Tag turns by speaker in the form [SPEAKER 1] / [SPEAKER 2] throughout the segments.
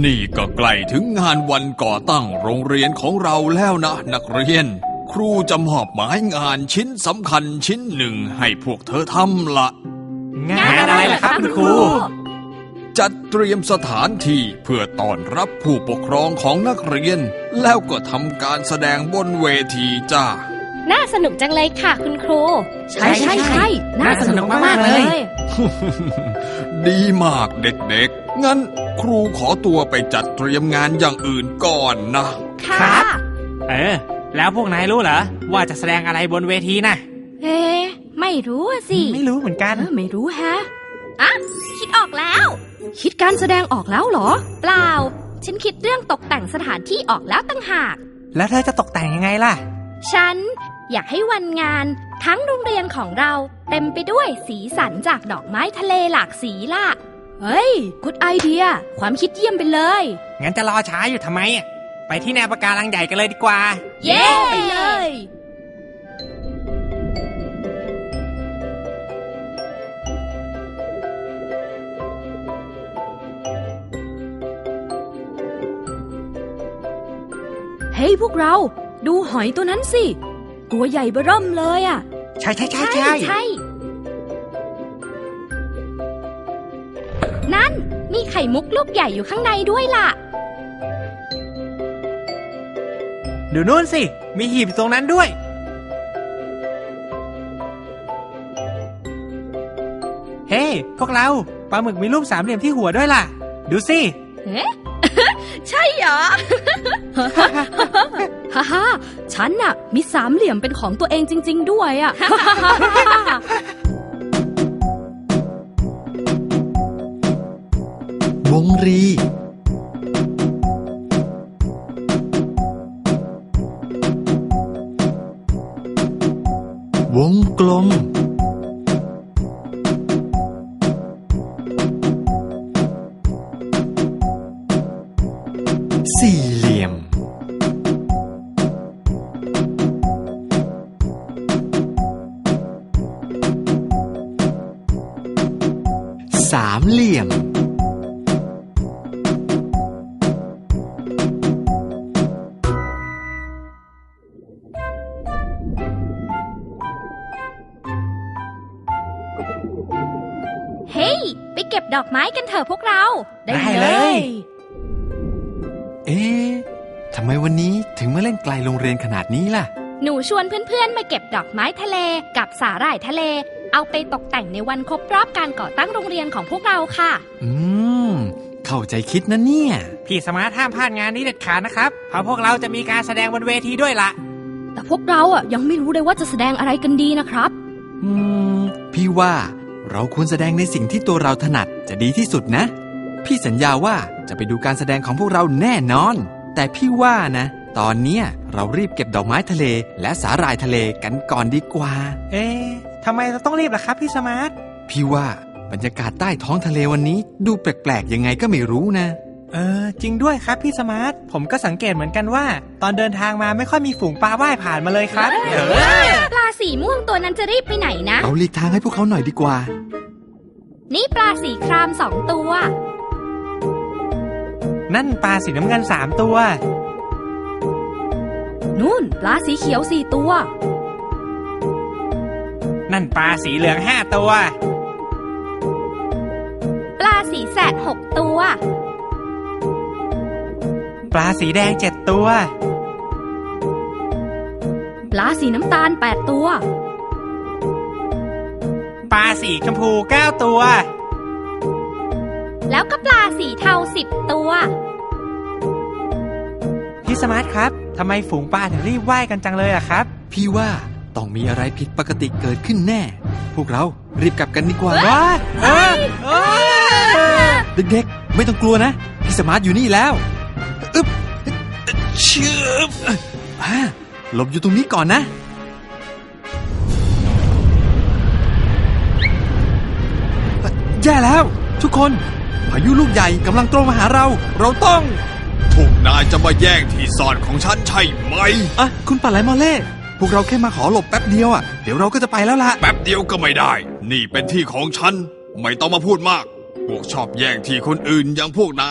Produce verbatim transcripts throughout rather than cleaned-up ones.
[SPEAKER 1] นี่ก็ใกล้ถึงงานวันก่อตั้งโรงเรียนของเราแล้วนะนักเรียนครูจะมอบหมายงานชิ้นสำคัญชิ้นหนึ่งให้พวกเธอทำละ
[SPEAKER 2] งานอะไรล่ะครับคุณครู
[SPEAKER 1] จัดเตรียมสถานที่เพื่อต้อนรับผู้ปกครองของนักเรียนแล้วก็ทำการแสดงบนเวทีจ้า
[SPEAKER 3] น่าสนุกจังเลยค่ะคุณครู
[SPEAKER 2] ใช่ใช่ใช่น่าสนุกมากๆเลย
[SPEAKER 1] ดีมากเด็กๆงั้นครูขอตัวไปจัดเตรียมงานอย่างอื่นก่อนนะ
[SPEAKER 2] ครับเออแล้วพวกนายรู้เหรอว่าจะแสดงอะไรบนเวทีนะ
[SPEAKER 3] เอ๊ะไม่รู้สิ
[SPEAKER 2] ไม่รู้เหมือนกัน
[SPEAKER 3] ไม่รู้แฮะอ่ะคิดออกแล้วคิดการแสดงออกแล้วเหรอเปล่าฉันคิดเรื่องตกแต่งสถานที่ออกแล้วตั้งหาก
[SPEAKER 2] แล้วเธอจะตกแต่งยังไงล่ะ
[SPEAKER 3] ฉันอยากให้วันงานทั้งโรงเรียนของเราเต็มไปด้วยสีสันจากดอกไม้ทะเลหลากสีล่ะเฮ้ยกูดไอเดียความคิดเยี่ยมไปเลย
[SPEAKER 2] งั้นจะรอช้าอยู่ทำไมไปที่แนวปะการังใหญ่กันเลยดีกว่า
[SPEAKER 3] เย้ไปเลยเฮ้ยพวกเราดูหอยตัวนั้นสิตัวใหญ่เบ้อเริ่มเลยอ่ะ
[SPEAKER 2] ใช่ใช่ใช่ใช่
[SPEAKER 3] ใช่นั่นมีไข่มุกลูกใหญ่อยู่ข้างในด้วยล่ะ
[SPEAKER 2] ดูนู่นสิมีหีบตรงนั้นด้วยเฮ้ hey, พวกเราปลาหมึกมีรูปสามเหลี่ยมที่หัวด้วยล่ะดูสิ
[SPEAKER 3] เอ๊ะ ใช่เหรอ ฮ่าฮ่าฉันน่ะมีสามเหลี่ยมเป็นของตัวเองจริงๆด้วยอ่ะ
[SPEAKER 1] วงรีวงกลมสี่เหลี่ยมสามเหลี่ยม
[SPEAKER 3] เฮ้ยไปเก็บดอกไม้กันเถอะพวกเรา
[SPEAKER 2] ได้เลย
[SPEAKER 1] เอ๊ะทำไมวันนี้ถึงมาเล่นไกลโรงเรียนขนาดนี้ล่ะ
[SPEAKER 3] หนูชวนเพื่อนๆมาเก็บดอกไม้ทะเลกับสาหร่ายทะเลเอาไปตกแต่งในวันครบรอบการก่อตั้งโรงเรียนของพวกเราค่ะ
[SPEAKER 1] อืมเข้าใจคิดนะเนี่ย
[SPEAKER 2] พี่สมาร์ทห้ามพลาดงานนี้เด็ดขาดนะครับเพราะพวกเราจะมีการแสดงบนเวทีด้วยล่ะ
[SPEAKER 3] แต่พวกเราอ่ะยังไม่รู้เลยว่าจะแสดงอะไรกันดีนะครับ
[SPEAKER 1] อืมพี่ว่าเราควรแสดงในสิ่งที่ตัวเราถนัดจะดีที่สุดนะพี่สัญญาว่าจะไปดูการแสดงของพวกเราแน่นอนแต่พี่ว่านะตอนเนี้ยเรารีบเก็บดอกไม้ทะเลและสาหร่ายทะเลกันก่อนดีกว่า
[SPEAKER 2] เอ๊ะทำไมเราต้องรีบล่ะครับพี่สมาร์ท
[SPEAKER 1] พี่ว่าบรรยากาศใต้ท้องทะเลวันนี้ดูแปลกๆยังไงก็ไม่รู้นะ
[SPEAKER 2] เออจริงด้วยครับพี่สมาร์ทผมก็สังเกตเหมือนกันว่าตอนเดินทางมาไม่ค่อยมีฝูงปลาว่ายผ่านมาเลยครับ
[SPEAKER 3] ปลาสีม่วงตัวนั้นจะรีบไปไหนนะ
[SPEAKER 1] เราหลีกทางให้พวกเขาหน่อยดีกว่า
[SPEAKER 3] นี่ปลาสีครามสองตัว
[SPEAKER 2] นั่นปลาสีน้ำเงินสามตัว
[SPEAKER 3] นู่นปลาสีเขียวสี่ตัว
[SPEAKER 2] นั่นปลาสีเหลืองห้าตัว
[SPEAKER 3] ปลาสีแสดหกตัว
[SPEAKER 2] ปลาสีแดงเจ็ดตัว
[SPEAKER 3] ปลาสีน้ำตาลแปดตัว
[SPEAKER 2] ปลาสีชมพูเก้าตัว
[SPEAKER 3] แล้วก็ปลาสีเทาสิบตัว
[SPEAKER 2] พี่สมาร์ทครับทำไมฝูงปลาถึงรีบว่ายกันจังเลยอะครับ
[SPEAKER 1] พี่ว่าต้องมีอะไรผิดปกติเกิดขึ้นแน่พวกเรารีบกลับกันดีกว่าเด็กๆไม่ต้องกลัวนะพี่สมาร์ทอยู่นี่แล้วอึ๊บเชื่อหลบอยู่ตรงนี้ก่อนนะแย่แล้วทุกคนพายุลูกใหญ่กำลังตรงมาหาเราเราต้องพวกนายจะมาแย่งที่ซ่อนของฉันใช่ไหมอ่ะคุณปลาไหลมอเล่พวกเราแค่มาขอหลบแป๊บเดียวอ่ะเดี๋ยวเราก็จะไปแล้วล่ะแป๊บเดียวก็ไม่ได้นี่เป็นที่ของฉันไม่ต้องมาพูดมากพวกชอบแย่งที่คนอื่นอย่างพวกนาย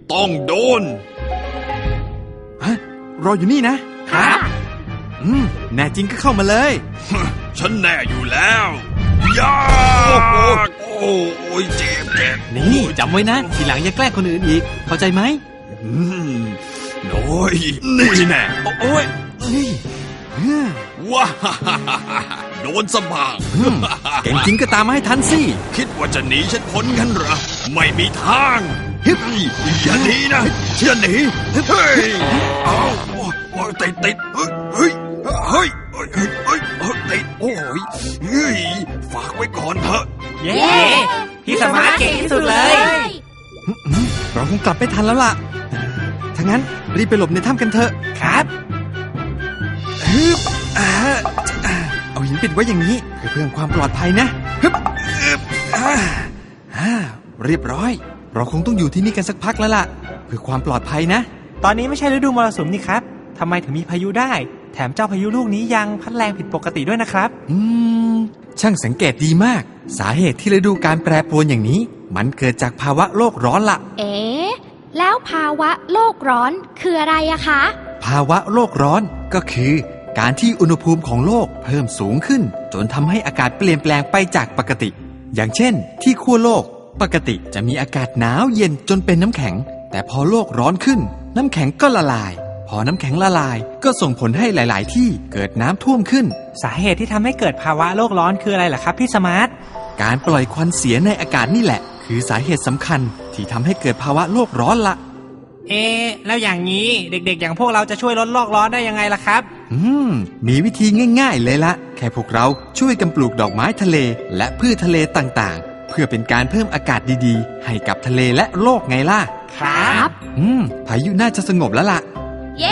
[SPEAKER 1] ต้องโดนฮะรออยู่นี่นะ
[SPEAKER 3] ค่ะ
[SPEAKER 1] อืมแน่จริงก็เข้ามาเลย ฉันแน่อยู่แล้วย่าโอ้โอ้ยเจ็บเจ็บ
[SPEAKER 4] นี่จำไว้นะ ทีหลังอย่าแกล้งคนอื่นอีก เข้าใจไหม
[SPEAKER 1] อืมน้อยนี่แน่โอ้ย
[SPEAKER 2] นี่อืม
[SPEAKER 1] ว้าโดนสบาง
[SPEAKER 2] เก่งจริงก็ตามมาให้ทันสิ
[SPEAKER 1] คิดว่าจะหนีฉันพ้นกันเหรอ ไม่มีทางฮึบอย่าหนีนะอย่าหนีเฮ้ยเอาโอ้โอ้ติดติดเฮ้ยเฮ้ยเฮ้ยเฮ้ยเฮ้ยเฮ้ยติดโอ้ยเฮ้ยฝากไว้ก่อนเถอะ
[SPEAKER 2] เย้พี่สมาร์ทเก่งที่สุดเลย เราคงกลับไม่ทันแล้วล่ะถ้างั้นรีบไปหลบในถ้ำกันเถอะครับฮึบอ่าอ่าเอาหินปิดไว้อย่างนี้เพื่อเพิ่มความปลอดภัยนะฮึบฮึบอ่าอ่าเรียบร้อย เราคงต้องอยู่ที่นี่กันสักพักแล้วล่ะเพื่อความปลอดภัยนะ ตอนนี้ไม่ใช่ฤดูมรสุมนี่ครับทำไมถึงมีพายุได้ แถมเจ้าพายุลูกนี้ยังพัดแรงผิดปกติด้วยนะครับ อืม ช่างสังเกตดีมาก สาเหตุที่ฤดูการแปรปรวนอย่างนี้ มันเกิดจากภาวะโลกร้อนละ
[SPEAKER 3] เอ๊ะ แล้วภาวะโลกร้อนคืออะไรอะคะ
[SPEAKER 2] ภาวะโลกร้อนก็คือ การที่อุณหภูมิของโลกเพิ่มสูงขึ้น จนทำให้อากาศเปลี่ยนแปลงไปจากปกติ อย่างเช่น ที่ขั้วโลกปกติจะมีอากาศหนาวเย็นจนเป็นน้ำแข็ง แต่พอโลกร้อนขึ้น น้ำแข็งก็ละลาย พอน้ำแข็งละลายก็ส่งผลให้หลาย ๆ ที่เกิดน้ำท่วมขึ้น สาเหตุที่ทำให้เกิดภาวะโลกร้อนคืออะไรล่ะครับพี่สมาร์ทการปล่อยควันเสียในอากาศนี่แหละ คือสาเหตุสำคัญที่ทำให้เกิดภาวะโลกร้อนละ
[SPEAKER 5] เอ๊ะแล้วอย่างนี้เด็กๆอย่างพวกเราจะช่วยลดโลกร้อนได้ยังไงล่ะครับ
[SPEAKER 2] อืม มีวิธีง่ายๆเลยละแค่พวกเราช่วยกันปลูกดอกไม้ทะเล และพืชทะเลต่างๆ เพื่อเป็นการเพิ่มอากาศดีๆ ให้กับทะเลและโลกไงล่ะ
[SPEAKER 5] ครับ
[SPEAKER 2] อืม พายุน่าจะสงบแล้วล่ะ
[SPEAKER 3] เย้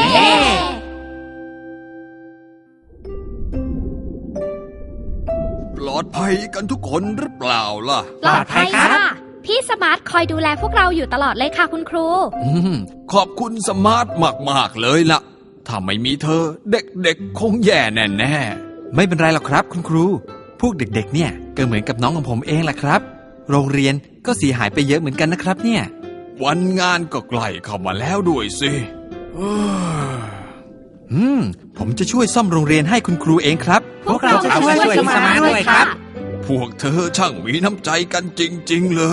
[SPEAKER 1] ปลอดภัยกันทุกคนหรือเปล่าล่ะ
[SPEAKER 3] ปลอดภัยค่ะ พี่สมาร์ทคอยดูแลพวกเราอยู่ตลอดเลยค่ะคุณครู
[SPEAKER 1] อืมขอบคุณสมาร์ทมากๆเลยล่ะ ถ้าไม่มีเธอเด็กๆคงแย่แน่
[SPEAKER 2] ไม่เป็นไรหรอกครับคุณครู พวกเด็กๆ เนี่ยก็เหมือนกับน้องของผมเองแหละครับ โรงเรียนก็เสียหายไปเยอะเหมือนกันนะครับเนี่ย
[SPEAKER 1] ๆวันงานก็ใกล้เข้ามาแล้วด้วยสิเอ้อ
[SPEAKER 2] อืม ผมจะช่วยซ่อมโรงเรียนให้คุณครูเองครับ
[SPEAKER 3] พวกเราจะช่วย
[SPEAKER 5] ช่วย
[SPEAKER 3] พี่สมาร์ทด้วยค่ะ
[SPEAKER 1] พวกเธอช่างมีน้ำใจกันจริงๆเลย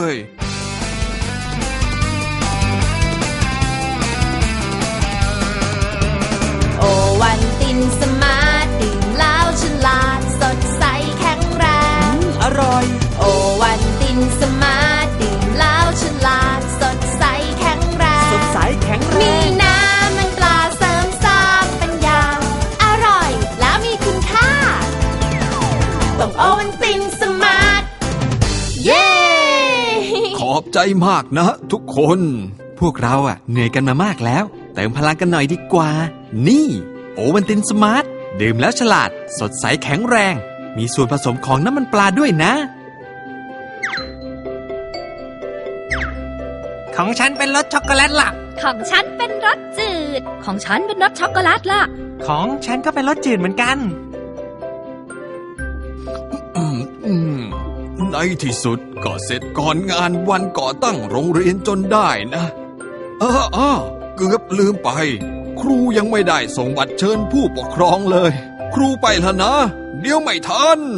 [SPEAKER 6] โอวันตินสมาร์ทดื่มแล้วฉลาดสดใสแข็งแรง
[SPEAKER 2] อร่อย
[SPEAKER 6] โอวันตินสมาร์ทดื่มแล้วฉลาดสดใสแข็งแรง
[SPEAKER 2] สดใสแข็งแร
[SPEAKER 6] มี
[SPEAKER 2] ง
[SPEAKER 6] น้ำมันปลาเสริมสร้างปัญญา อร่อยแล้วมีคุณค่าต้องโอวันตินสมาร์ท เย้
[SPEAKER 1] ขอบใจมากนะทุกคน
[SPEAKER 2] พวกเราอ่ะเหนื่อยกันมามากแล้ว เติมพลังกันหน่อยดีกว่า นี่โอวัลตินสมาร์ทดื่มแล้วฉลาด สดใสแข็งแรง มีส่วนผสมของน้ำมันปลาด้วยนะ
[SPEAKER 5] ของฉันเป็นรสช็อกโกแลตล่ะ
[SPEAKER 3] ของฉันเป็นรสจืด ของฉันเป็นรสช็อกโกแลตล่ะ
[SPEAKER 5] ของฉันก็เป็นรสจืดเหมือนกัน
[SPEAKER 1] อืมอืมในที่สุดก็เสร็จก่อนงานวันก่อตั้งโรงเรียนจนได้นะ เออเออเกือบลืมไป ครูยังไม่ได้ส่งบัตรเชิญผู้ปกครองเลย ครูไปแล้วนะ เดี๋ยวไม่ทัน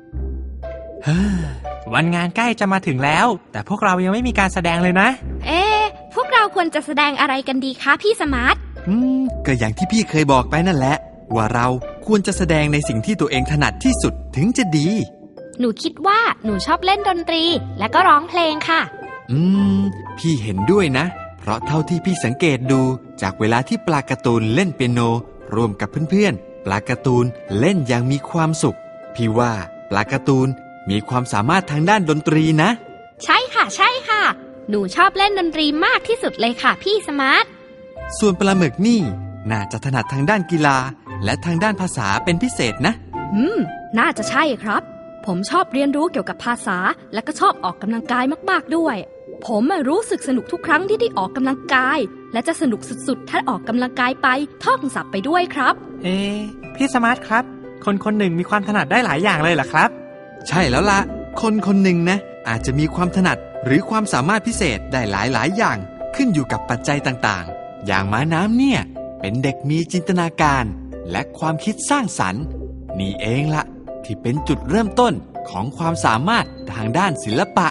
[SPEAKER 5] วันงานใกล้จะมาถึงแล้ว แต่พวกเรายังไม่มีการแสดงเลยนะ
[SPEAKER 3] เอ๊ะ พวกเราควรจะแสดงอะไรกันดีคะพี่สมาร์ท
[SPEAKER 2] อืม ก็อย่างที่พี่เคยบอกไปนั่นแหละ ว่าเราควรจะแสดงในสิ่งที่ตัวเองถนัดที่สุดถึงจะดี
[SPEAKER 3] หนูคิดว่าหนูชอบเล่นดนตรี และก็ร้องเพลงค่ะ
[SPEAKER 2] อืม พี่เห็นด้วยนะ เพราะเท่าที่พี่สังเกตดูจากเวลาที่ปลาการ์ตูนเล่นเปียโนร่วมกับเพื่อนๆ ปลาการ์ตูนเล่นอย่างมีความสุข พี่ว่าปลาการ์ตูนมีความสามารถทางด้านดนตรีนะ
[SPEAKER 3] ใช่ค่ะ ใช่ค่ะ หนูชอบเล่นดนตรีมากที่สุดเลยค่ะพี่สมาร์ท
[SPEAKER 2] ส่วนปลาหมึกนี่น่าจะถนัดทางด้านกีฬา และทางด้านภาษาเป็นพิเศษนะ
[SPEAKER 3] อืม น่าจะใช่ครับ ผมชอบเรียนรู้เกี่ยวกับภาษา และก็ชอบออกกำลังกายมากๆด้วย ผมอะรู้สึกสนุกทุกครั้งที่ได้ออกกำลังกาย และจะสนุกสุดๆถ้าออกกำลังกายไปท่องศัพท์ไปด้วยครับ
[SPEAKER 5] เอ๊ะพี่สมาร์ทครับ คนคนหนึ่งมีความถนัดได้หลายอย่างเลยเหรอครับ
[SPEAKER 2] ใช่แล้วล่ะ คนคนหนึ่งนะ อาจจะมีความถนัดหรือความสามารถพิเศษได้หลายๆอย่างขึ้นอยู่กับปัจจัยต่างๆ อย่างม้าน้ำเนี่ย เป็นเด็กมีจินตนาการ และความคิดสร้างสรรค์ นี่เองละที่เป็นจุดเริ่มต้นของความสามารถทางด้านศิลปะ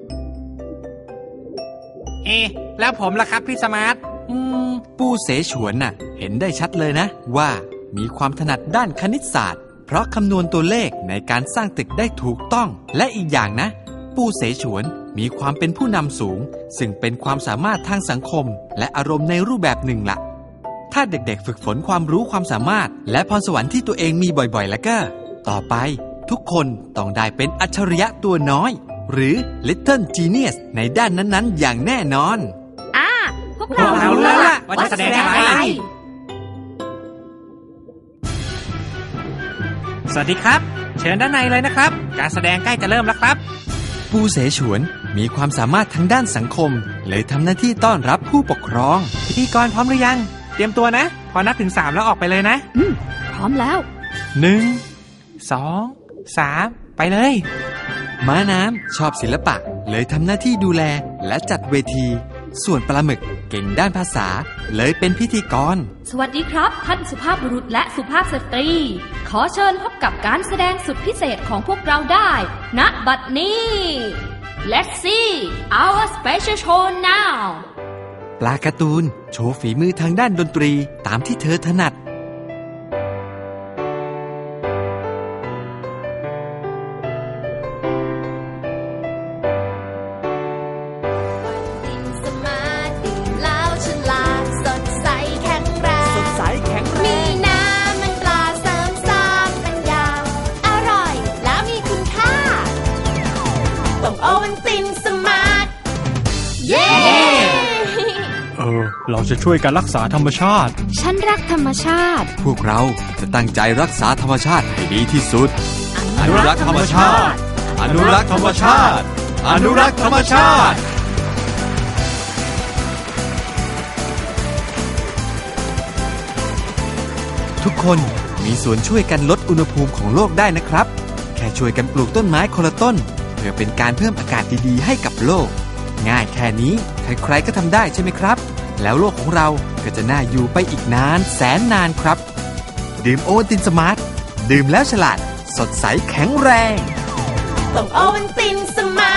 [SPEAKER 5] เอ๊ะแล้วผมล่ะครับพี่สมาร์ท
[SPEAKER 2] อืม ปูเสฉวนน่ะ เห็นได้ชัดเลยนะ ว่ามีความถนัดด้านคณิตศาสตร์ เพราะคำนวณตัวเลขในการสร้างตึกได้ถูกต้อง และอีกอย่างนะ ปูเสฉวนมีความเป็นผู้นำสูง ซึ่งเป็นความสามารถทางสังคม และอารมณ์ในรูปแบบหนึ่งละถ้าเด็กๆฝึกฝนความรู้ความสามารถ และพรสวรรค์ที่ตัวเองมีบ่อยๆ แล้วก็ ต่อไปทุกคนต้องได้เป็นอัจฉริยะตัวน้อย หรือ Little Genius ในด้านนั้นๆ อย่างแน่นอน
[SPEAKER 3] อ่า พวก
[SPEAKER 5] พวก
[SPEAKER 3] เรา
[SPEAKER 5] เรา
[SPEAKER 3] รู้
[SPEAKER 5] รู้
[SPEAKER 3] แล้
[SPEAKER 5] แล้ว ว
[SPEAKER 3] ล่ะ
[SPEAKER 5] ล่ะว่าจะแสดงอะไร สวัสดีครับ เชิญด้านในเลยนะครับ การแสดงใกล้จะเริ่มแล้วครับ
[SPEAKER 2] ปูเสฉวนมีความสามารถทางด้านสังคม เลยทำหน้าที่ต้อนรับผู้ปกครอง
[SPEAKER 5] พิธีกรพร้อมหรือยัง เตรียมตัวนะ พอนับถึงสามแล้วออกไปเลยนะ
[SPEAKER 3] อืม พร้อมแล้ว
[SPEAKER 5] หนึ่ง สอง สาม ไปเลย
[SPEAKER 2] ม้าน้ำชอบศิลปะ เลยทำหน้าที่ดูแลและจัดเวที ส่วนปลาหมึกเก่งด้านภาษา เลยเป็นพิธีกร
[SPEAKER 3] สวัสดีครับ ท่านสุภาพบุรุษและสุภาพสตรี ขอเชิญพบกับการแสดงสุดพิเศษของพวกเราได้ ณ บัดนี้ Let's see our special show now
[SPEAKER 2] ปลาการ์ตูนโชว์ฝีมือทางด้านดนตรีตามที่เธอถนัด
[SPEAKER 6] ตินสมาร์ทดื่มแล้วฉลาดสดใสแข็งแรง
[SPEAKER 2] สดใสแข็งแร
[SPEAKER 6] มี
[SPEAKER 2] ง
[SPEAKER 6] น้ำมันปลาเสริมสร้างปัญญา อร่อยแล้วมีคุณค่า ต้องโอวันตินสมาร์ท เย้
[SPEAKER 7] เออ เราจะช่วยกันรักษาธรรมชาติ
[SPEAKER 3] ฉันรักธรรมชาติ
[SPEAKER 2] พวกเราจะตั้งใจรักษาธรรมชาติให้ดีที่สุด อนุรักษ์ธรรมชาติ อนุรักษ์ธรรมชาติ อนุรักษ์ธรรมชาติ ทุกคนมีส่วนช่วยกันลดอุณหภูมิของโลกได้นะครับ แค่ช่วยกันปลูกต้นไม้คนละต้น เพื่อเป็นการเพิ่มอากาศดีๆให้กับโลก ง่ายแค่นี้ใครๆก็ทำได้ใช่ไหมครับ แล้วโลกของเราก็จะน่าอยู่ไปอีกนานแสนนานครับ ดื่มโอวัลตินสมาร์ท ดื่มแล้วฉลาด สดใสแข็งแรง
[SPEAKER 6] ต้องโอวันตินสมา